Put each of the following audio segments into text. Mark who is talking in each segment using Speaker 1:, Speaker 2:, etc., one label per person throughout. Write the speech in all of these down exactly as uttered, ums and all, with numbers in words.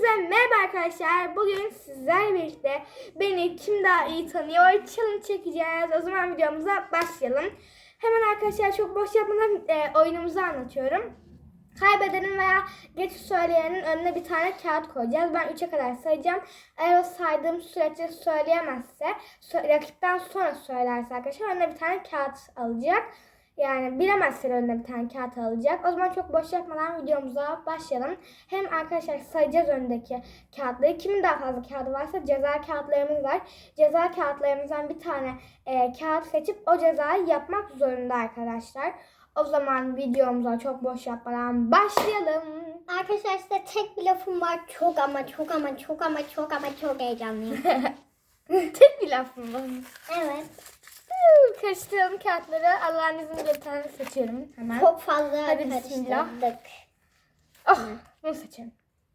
Speaker 1: Hepinize merhaba arkadaşlar. Bugün sizlerle birlikte beni kim daha iyi tanıyor challenge çekeceğiz. O zaman videomuza başlayalım. Hemen arkadaşlar çok boş yapmadan e, oyunumuzu anlatıyorum. Kaybedenin veya geç söyleyenin önüne bir tane kağıt koyacağız. Ben üçe kadar sayacağım. Eğer o saydığım sürece söyleyemezse, rakipten sonra söylerse arkadaşlar önüne bir tane kağıt alacak. Yani bilemezse önüne bir tane kağıt alacak. O zaman çok boş yapmadan videomuza başlayalım. Hem arkadaşlar sayacağız öndeki kağıtları. Kimin daha fazla kağıdı varsa ceza kağıtlarımız var. Ceza kağıtlarımızdan bir tane e, kağıt seçip o cezayı yapmak zorunda arkadaşlar. O zaman videomuza çok boş yapmadan başlayalım.
Speaker 2: Arkadaşlar size tek bir lafım var. Çok ama çok ama çok ama çok ama çok heyecanlıyım.
Speaker 1: Tek bir laf mı var?
Speaker 2: Evet.
Speaker 1: Karıştıralım kağıtları. Allah'ın izniyle bir tane seçiyorum hemen.
Speaker 2: Çok fazla
Speaker 1: Hadi bismillah.
Speaker 2: karıştırdık.
Speaker 1: Oh, bunu seçelim.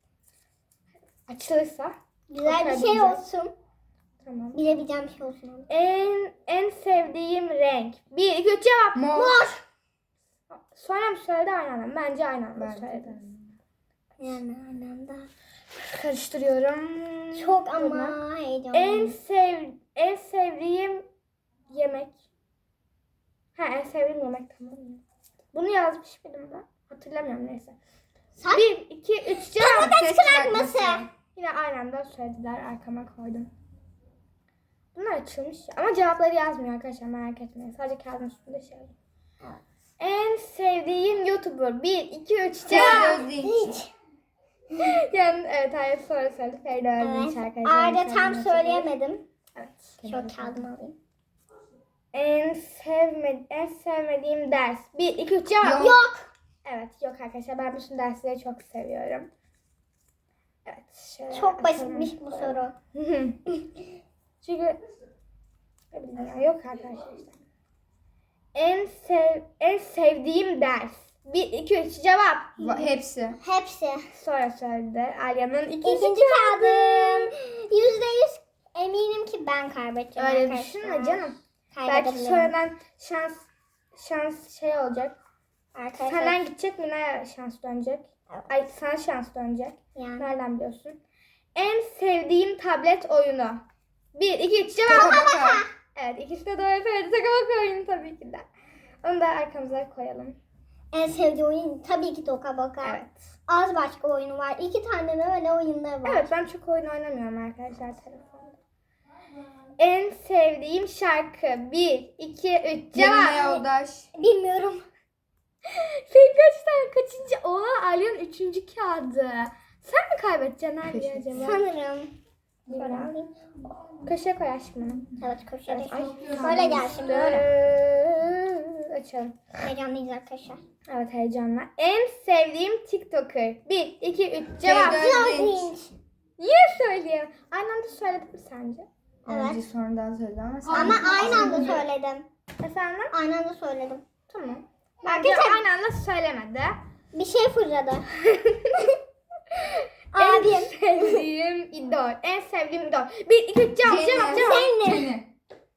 Speaker 1: Açılırsa.
Speaker 2: Güzel bir şey olsun.
Speaker 1: Tamam.
Speaker 2: Bilebileceğim bir şey olsun.
Speaker 1: En en sevdiğim renk. Bir, iki, üç cevap.
Speaker 3: Mor.
Speaker 2: Mor.
Speaker 1: Sonra mı söyledi aynı anda? Bence aynı anda
Speaker 3: Bence
Speaker 1: söyledi.
Speaker 2: Yani anlamda.
Speaker 1: Karıştırıyorum.
Speaker 2: Çok ama
Speaker 1: Buradan.
Speaker 2: heyecanlıyım.
Speaker 1: En sev en sevdiğim yemek. Ha en sevdiğim yemek tamam mı? Bunu yazmış mıydım ben? Hatırlamıyorum neyse.
Speaker 2: Saç.
Speaker 1: Bir, iki, üç cevap.
Speaker 2: Patates kızartması.
Speaker 1: Yine aynı anda söylediler. Arkama koydum. Bunlar açılmış. Ama cevapları yazmıyor arkadaşlar. Merak etmeyin. Sadece kağıdın üstünde şey yazıyor.
Speaker 2: Evet.
Speaker 1: En sevdiğim YouTuber. Bir, iki, üç cevap.
Speaker 2: Hiç.
Speaker 1: Yani evet hayır sonra söyledi. Feride Özdeğiç
Speaker 2: Evet.
Speaker 1: arkadaşlar.
Speaker 2: Arda tam söyleyemedim.
Speaker 1: Evet.
Speaker 2: Şu kağıdımı alayım.
Speaker 1: En sevmedi en sevmediğim ders. Bir, iki, üç cevap.
Speaker 3: Yok.
Speaker 2: Yok.
Speaker 1: Evet yok arkadaşlar. Ben bütün dersleri çok seviyorum. Evet. Şöyle
Speaker 2: Çok
Speaker 1: atalım.
Speaker 2: basitmiş bu soru.
Speaker 1: Çünkü ne bileyim ya, yok arkadaşlar işte. En sev en sevdiğim ders. Bir, iki, üç cevap.
Speaker 3: Va- Hepsi.
Speaker 2: Hepsi.
Speaker 1: Sonra söyledi. Alya'nın ikinci,
Speaker 2: İkinci kağıdım. Yüzde yüz eminim ki ben kaybedeceğim
Speaker 1: Öyle
Speaker 2: arkadaşlar.
Speaker 1: düşünme canım. Belki
Speaker 2: Kaybedebilirim.
Speaker 1: sonradan şans şans şey olacak.
Speaker 2: Arkadaşlar.
Speaker 1: Senden gidecek, Mina'ya şans dönecek. Ay sana şans dönecek.
Speaker 2: Yani.
Speaker 1: Nereden biliyorsun? En sevdiğim tablet oyunu. Bir, iki, üç cevap.
Speaker 3: Tabaka.
Speaker 1: Evet ikisi de doğru söyledi. Takabaka oyunu tabii ki de. Onu da arkamıza koyalım.
Speaker 2: En sevdiğim oyun tabii ki Toka Boka.
Speaker 1: Evet.
Speaker 2: Az başka oyunu var. İki tane de öyle oyunları var.
Speaker 1: Evet ben çok oyun oynamıyorum arkadaşlar telefonda. En sevdiğim şarkı. Bir, iki, üç
Speaker 3: Yanına
Speaker 1: cevap.
Speaker 3: yoldaş.
Speaker 2: Bilmiyorum.
Speaker 1: Senin kaç tane kaçıncı? Oha Alya'nın üçüncü kağıdı. Sen mi kaybedeceksin Alya
Speaker 3: Keşke.
Speaker 1: acaba?
Speaker 2: Sanırım. Şöyle
Speaker 1: Bilmiyorum.
Speaker 2: alayım.
Speaker 1: Köşeye koy aşkım.
Speaker 2: Evet koşarız.
Speaker 1: Ay,
Speaker 2: Böyle gelsin böyle.
Speaker 1: Böyle. Açalım.
Speaker 2: Heyecanlıyız arkadaşlar.
Speaker 1: Evet heyecanla. En sevdiğim TikToker. Bir, iki, üç cevap.
Speaker 3: Feride Özdeğiç.
Speaker 1: Niye söyleyeyim? Aynı anda söyledim mi sence?
Speaker 3: Önce
Speaker 2: Evet.
Speaker 3: sonradan söyledi ama sen...
Speaker 2: Ama aynı anda söyledim.
Speaker 1: Efendim?
Speaker 2: Aynı anda söyledim.
Speaker 1: Tamam. Bence
Speaker 2: Arkadaşlar-
Speaker 1: aynı anda söylemedi.
Speaker 2: Bir şey fırladı.
Speaker 1: En
Speaker 2: Abim.
Speaker 1: sevdiğim idol. En sevdiğim idol. Bir, iki, üç cevap. Cevap, cevap.
Speaker 2: Senin.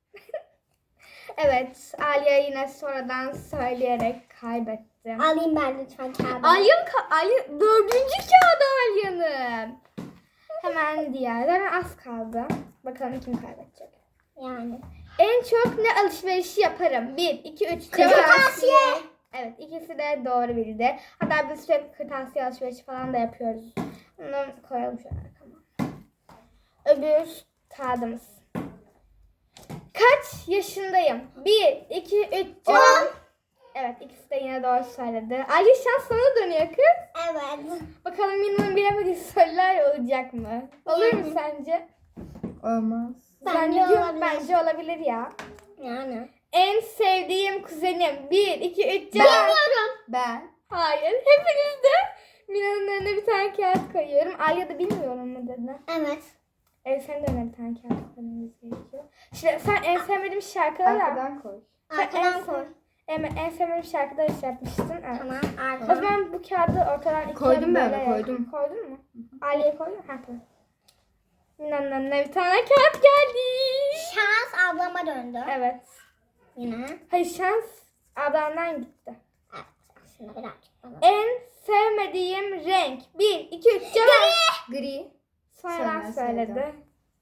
Speaker 1: Evet. Alya yine sonradan söyleyerek kaybetti.
Speaker 2: Alayım ben lütfen kağıdı.
Speaker 1: Alya'nın ka- Alya, dördüncü kağıdı Alya'nın. Hemen diğerden az kaldı. Bakalım kim kaybedecek.
Speaker 2: Yani.
Speaker 1: En çok ne alışverişi yaparım? Bir, iki, üç cevap.
Speaker 2: Kırtasiye.
Speaker 1: Evet ikisi de doğru bildi. Hatta biz sürekli kırtasiye alışverişi falan da yapıyoruz. Bunu koyalım şöyle arkama. Öbür kağıdımız. Kaç yaşındayım? Bir, iki, üç cevap. Evet ikisi de yine doğru söyledi. Ali şans sana dönüyor kız.
Speaker 2: Evet.
Speaker 1: Bakalım Mina'nın bilemediği sorular olacak mı? Olur mu
Speaker 2: Yani.
Speaker 1: sence?
Speaker 3: Olmaz.
Speaker 2: Bence
Speaker 1: Zannediyorum,
Speaker 2: olabilir.
Speaker 1: Bence olabilir ya.
Speaker 2: Yani.
Speaker 1: En sevdiğim kuzenim. Bir, iki, üç cevap.
Speaker 2: Bilmiyorum.
Speaker 3: Ben.
Speaker 1: Hayır. Hepiniz de Mina'nın önüne bir tane kağıt koyuyorum. Alya da bilmiyorum mu dedi.
Speaker 2: Evet.
Speaker 1: E, senin de önüne bir tane kağıt koymamız gerekiyor. Şimdi sen en sevmediğim şarkıları
Speaker 3: Arkadan koy.
Speaker 1: Sen en,
Speaker 2: Arkadan koy.
Speaker 1: en, en sevmediğim şarkıları şey yapmıştın. Evet.
Speaker 2: Tamam.
Speaker 1: O
Speaker 2: Arkadan.
Speaker 1: zaman bu kağıdı ortadan ikiye
Speaker 3: Koydum ben de,
Speaker 1: bölerek-
Speaker 3: koydum.
Speaker 1: Koydun mu? Alya'ya koydun mu? Ha tamam. Mina'nın önüne bir tane kağıt geldi.
Speaker 2: Şans ablama döndü.
Speaker 1: Evet.
Speaker 2: Yine.
Speaker 1: Hayır şans adamdan gitti.
Speaker 2: Evet. Aslında birazcık bana.
Speaker 1: En sevmediğim renk. Bir, iki, üç, cevap.
Speaker 3: Gri.
Speaker 1: Sonradan
Speaker 3: Sonra
Speaker 1: söyledi.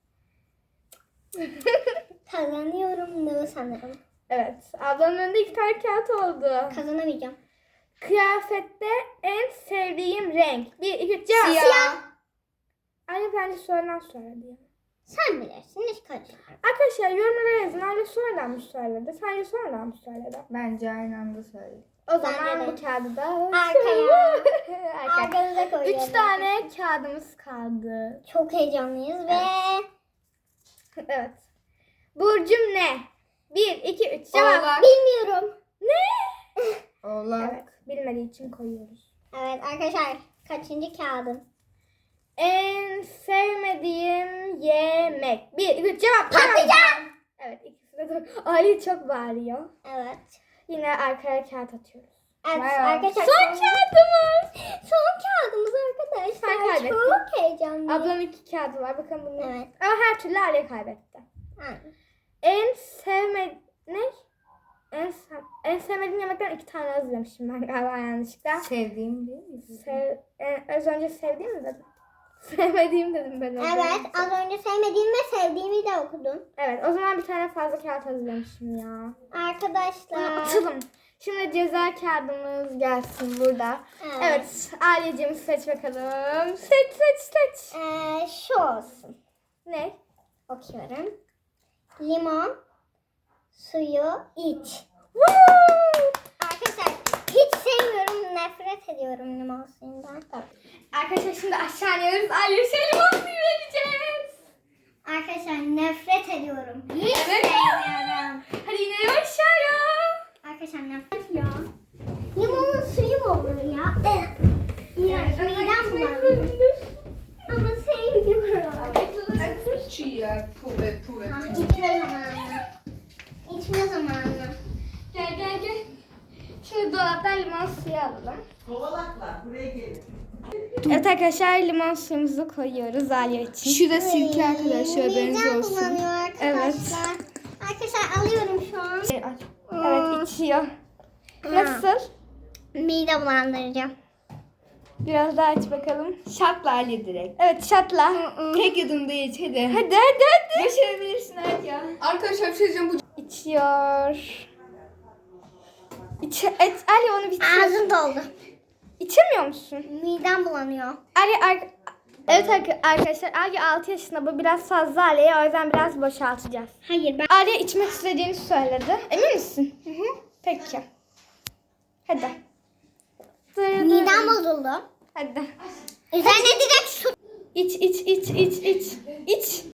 Speaker 2: Kazanıyorum da sanırım.
Speaker 1: Evet. Ablanın önünde iki tane kağıt oldu.
Speaker 2: Kazanamayacağım.
Speaker 1: Kıyafette en sevdiğim renk. Bir, iki, üç, cevap.
Speaker 3: Siyah.
Speaker 1: Anne bence sonradan söyledi ya.
Speaker 2: Sen bilirsin, hiç karışmam.
Speaker 1: Arkadaşlar yorumlara yazın. Anne sonradan mı söyledi? Sence sonradan mı söyledi?
Speaker 3: Bence aynı anda söyledi.
Speaker 1: O zaman
Speaker 2: Bence de.
Speaker 1: bu kağıdı da
Speaker 2: Arkaya.
Speaker 1: Arkaya.
Speaker 2: Arkanıza koyuyorum.
Speaker 1: Üç tane kağıdımız kaldı.
Speaker 2: Çok heyecanlıyız ve
Speaker 1: Evet. Burcum ne? Bir, iki, üç. Cevap.
Speaker 3: Oğlak.
Speaker 2: bilmiyorum.
Speaker 1: Ne?
Speaker 3: Oğlak.
Speaker 1: Evet. Bilmediği için koyuyoruz.
Speaker 2: Evet arkadaşlar, kaçıncı kağıdın?
Speaker 1: En sevmediğim yemek. Bir, iki, üç. Cevap.
Speaker 2: Patlıcan.
Speaker 1: Evet. ikisi de doğru. Ali çok bağırıyor.
Speaker 2: Evet.
Speaker 1: Yine arkaya kağıt atıyoruz.
Speaker 2: Evet
Speaker 3: Bayağı.
Speaker 2: arkadaşlar.
Speaker 1: Son kağıdımız.
Speaker 2: Son kağıdımız arkadaşlar.
Speaker 1: Sen kaybettin.
Speaker 2: Çok heyecanlıyım.
Speaker 1: Ablanın iki kağıdı var. Bakalım bunu.
Speaker 2: Evet.
Speaker 1: Ama her türlü Ali kaybetti.
Speaker 2: Aynen.
Speaker 1: En sevme... Ne? En, sev... en sevmediğim yemekten iki tane hazırlamışım ben galiba yanlışlıkla.
Speaker 3: Sevdiğim değil mi?
Speaker 1: Sev... en- az önce sevdiğim mi dedim? Sevmediğim dedim ben. az
Speaker 2: Evet
Speaker 1: önce.
Speaker 2: az önce sevmediğim ve sevdiğimi de okudum.
Speaker 1: Evet o zaman bir tane fazla kağıt hazırlamışım ya. Bunu
Speaker 2: Arkadaşlar.
Speaker 1: atalım. Şimdi ceza kağıdımız gelsin burada.
Speaker 2: Evet.
Speaker 1: Evet Aileciğim seç bakalım. Seç seç seç.
Speaker 2: Ee, şu olsun.
Speaker 1: Ne?
Speaker 2: Okuyorum. Limon suyu iç.
Speaker 1: Woo!
Speaker 2: Arkadaşlar hiç sevmiyorum. Nefret ediyorum limon suyundan.
Speaker 1: Arkadaşlar şimdi aşağı iniyoruz. Aileye şey limon suyu vereceğiz.
Speaker 2: Arkadaşlar nefret ediyorum. Hiç
Speaker 1: Evet.
Speaker 2: sevmiyorum.
Speaker 1: Hadi inelim aşağıya.
Speaker 2: Arkadaşlar nefret ya. Limonun suyu mu olur ya? Eh. İğrenç. Midem bulandı. Ama sevmiyorum.
Speaker 3: Chia, pube, pube.
Speaker 2: Ah, içme zamanı. İçme zamanı.
Speaker 1: Gel gel gel. Şimdi dolaptan limon suyu alalım.
Speaker 4: Kovalaklar buraya gelin.
Speaker 1: Evet arkadaşlar limon suyumuzu koyuyoruz Aliye için.
Speaker 3: Şu da sirke arkadaşlar, haberiniz
Speaker 2: Midem
Speaker 3: olsun.
Speaker 2: bulanıyor arkadaşlar.
Speaker 1: Evet.
Speaker 2: Arkadaşlar alıyorum şu an.
Speaker 1: Evet içiyor. Nasıl?
Speaker 2: Mide bulandıracağım.
Speaker 1: Biraz daha aç bakalım.
Speaker 3: Şatla Ali direkt.
Speaker 1: Evet şatla.
Speaker 3: Tek yudumda iç hadi.
Speaker 1: Hadi hadi hadi.
Speaker 3: Başarabilirsin hadi ya. Arkadaşlar bir şey diyeceğim, bu
Speaker 1: İçiyor. İç, et, Ali onu bitir.
Speaker 2: Ağzım doldu.
Speaker 1: İçemiyor musun?
Speaker 2: Midem bulanıyor.
Speaker 1: Ali ar- Evet arka- arkadaşlar Ali altı yaşında, bu biraz fazla Ali'ye, o yüzden biraz boşaltacağız.
Speaker 2: Hayır ben.
Speaker 1: Ali içmek istediğini söyledi. Emin misin? Hı hı. Peki. Hadi.
Speaker 2: Midem bozuldu.
Speaker 1: Hadi.
Speaker 2: Üzerine direkt su.
Speaker 1: İç iç iç iç iç. İç.